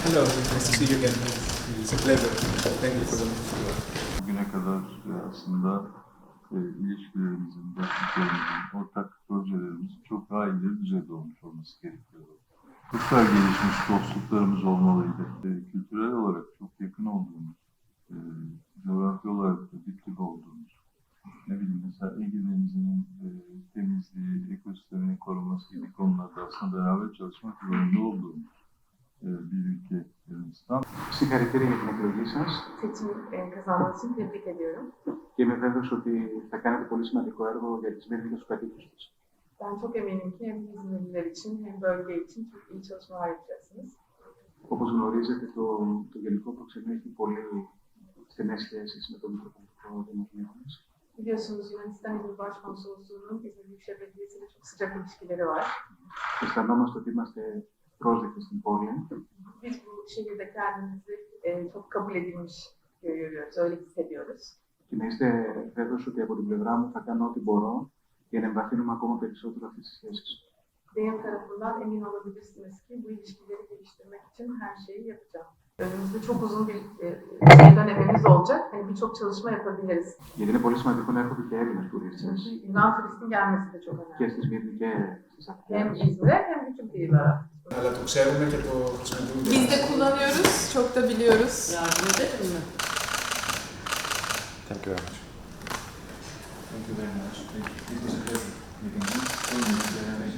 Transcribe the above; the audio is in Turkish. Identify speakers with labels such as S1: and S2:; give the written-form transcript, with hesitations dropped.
S1: Hello, nice to see you again. It's a pleasure. Thank you for the
S2: Bugüne kadar aslında ilişkilerimizin, dostluklarımızın, ortak projelerimizin çok daha ileri düzeyde olmuş olması gerekiyor. Çok daha gelişmiş dostluklarımız olmalıydı. Kültürel olarak çok yakın olduğumuz, coğrafi olarak da dip dibe olduğumuz, ne bileyim mesela Ege Denizi'nin temizliği, ekosisteminin korunması gibi konularda aslında beraber çalışmak zorunda olduğumuz bir ülke Yunanistan.
S3: Συγχαρητήρια για την εκλογή σας
S4: Seçim kazanmanız için tebrik ediyorum.
S3: και είμαι βέβαιος ότι θα κάνετε πολύ σημαντικό έργο για τις μερικές τους κατοίκους της.
S4: Ben çok eminim ki hem İzmirliler için hem bölge için çok iyi çalışmalar yapacaksınız.
S3: Όπως γνωρίζετε, το Γενικό Προξενείο έχει πολύ στενές σχέσεις με το Μητροπολιτικό Δημοτικό μας.
S4: Biliyorsunuz Yunanistan İzmir Başkonsolosluğu'nun İzmir Büyükşehir Belediyesi ile çok sıcak ilişkileri var.
S3: Αισθανόμαστε ότι είμαστε πρόσδεκτοι στην πόλη
S4: Biz bu şehirde kendimizi çok kabul edilmiş görüyoruz, öyle hissediyoruz.
S3: και να είστε βέβαιος ότι από την πλευρά μου θα κάνω ό,τι μπορώ για να εμβαθύνουμε ακόμα περισσότερο αυτές τις σχέσεις.
S4: Benim tarafından emin olabilirsiniz ki bu ilişkileri geliştirmek için her şeyi yapacağım. Önümüzde çok uzun bir dönemimiz olacak. Hani birçok çalışma yapabiliriz.
S3: Γιατί είναι πολύ σημαντικό να έρχονται και Έλληνες τουρίστες
S4: Yunan turistin gelmesi de çok
S3: και
S4: önemli.
S3: στις Μύρνη και στις
S4: Hem
S3: Αθήνες.
S4: İzmir'e hem bütün kıyılara.
S1: Αλλά το ξέρουμε και το χρησιμοποιούμε.
S5: Biz de kullanıyoruz, çok da biliyoruz.
S6: Yardım ederim mi?
S7: Thank you very much.
S1: Thank you very much. It was a pleasure meeting you.